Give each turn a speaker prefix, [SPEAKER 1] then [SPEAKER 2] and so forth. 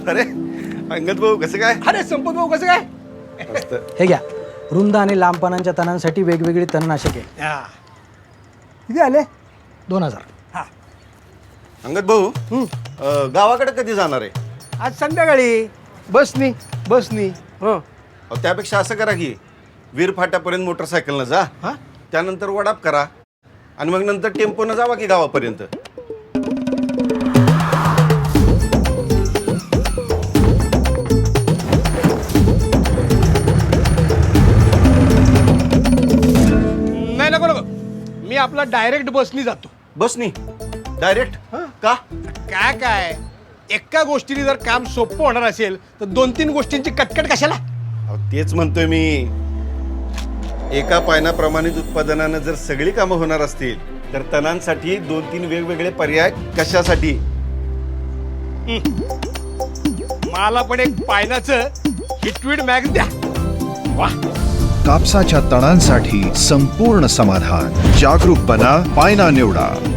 [SPEAKER 1] अरे अंगद भाऊ कसं काय?
[SPEAKER 2] अरे संपत भाऊ कसं काय?
[SPEAKER 1] मस्त.
[SPEAKER 3] हे घ्या, रुंद आणि लांब पानांच्या तणांसाठी वेगवेगळी तणनाशके.
[SPEAKER 2] हा.
[SPEAKER 3] किती आले? 2000.
[SPEAKER 1] अंगद भाऊ गावाकडे कधी जाणार आहे?
[SPEAKER 2] आज संध्याकाळी बसनी हो.
[SPEAKER 1] अहो, त्यापेक्षा असं करा की वीर फाट्यापर्यंत मोटरसायकलनं जा,
[SPEAKER 2] हा?
[SPEAKER 1] त्यानंतर वडाप करा आणि मग नंतर टेम्पोनं जावा की गावापर्यंत.
[SPEAKER 2] नाही नको नको, मी आपला डायरेक्ट बसनी जातो.
[SPEAKER 1] बसनी डायरेक्ट? का?
[SPEAKER 2] काय एका गोष्टीने जर काम सोपं होणार असेल तर 2-3 गोष्टींची कटकट कशाला?
[SPEAKER 1] अहो, तेच म्हणतोय मी. एका पायना प्रमाणित उत्पादनानं जर सगळी कामं होणार असतील तर तणांसाठी 2-3 वेगवेगळे पर्याय कशासाठी?
[SPEAKER 2] मला पण एक पायनाचं हिटवीड मॅग द्या. वा.
[SPEAKER 4] कापसाच्या तणांसाठी संपूर्ण समाधान. जागरूक बना, पायना निवडा.